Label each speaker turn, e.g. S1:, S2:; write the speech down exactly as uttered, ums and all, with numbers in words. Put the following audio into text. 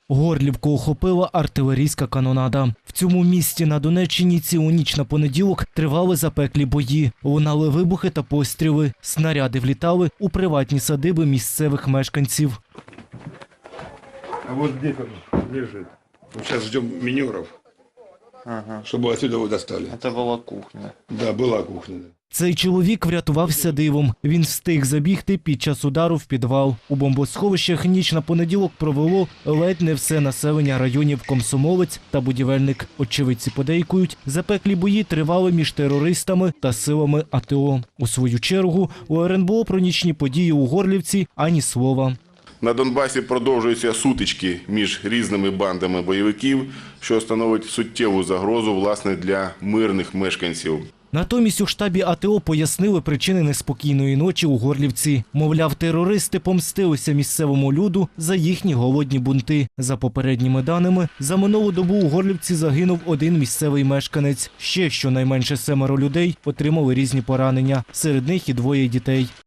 S1: Горлівку охопила артилерійська канонада. В цьому місті на Донеччині цілу ніч на понеділок тривали запеклі бої. Лунали вибухи та постріли. Снаряди влітали у приватні садиби місцевих мешканців.
S2: А вот здесь он лежит. Мы сейчас ждем минеров,
S3: Ага.
S2: чтобы отсюда его достали.
S3: Это была кухня.
S2: Да, была кухня.
S1: Цей чоловік врятувався дивом. Він встиг забігти під час удару в підвал. У бомбосховищах ніч на понеділок провело ледь не все населення районів Комсомолець та Будівельник. Очевидці подейкують, запеклі бої тривали між терористами та силами АТО. У свою чергу у ер ен бе о про нічні події у Горлівці ані слова.
S4: На Донбасі продовжуються сутички між різними бандами бойовиків, що становить суттєву загрозу, власне, для мирних мешканців.
S1: Натомість у штабі АТО пояснили причини неспокійної ночі у Горлівці. Мовляв, терористи помстилися місцевому люду за їхні голодні бунти. За попередніми даними, за минулу добу у Горлівці загинув один місцевий мешканець. Ще щонайменше семеро людей отримали різні поранення. Серед них і двоє дітей.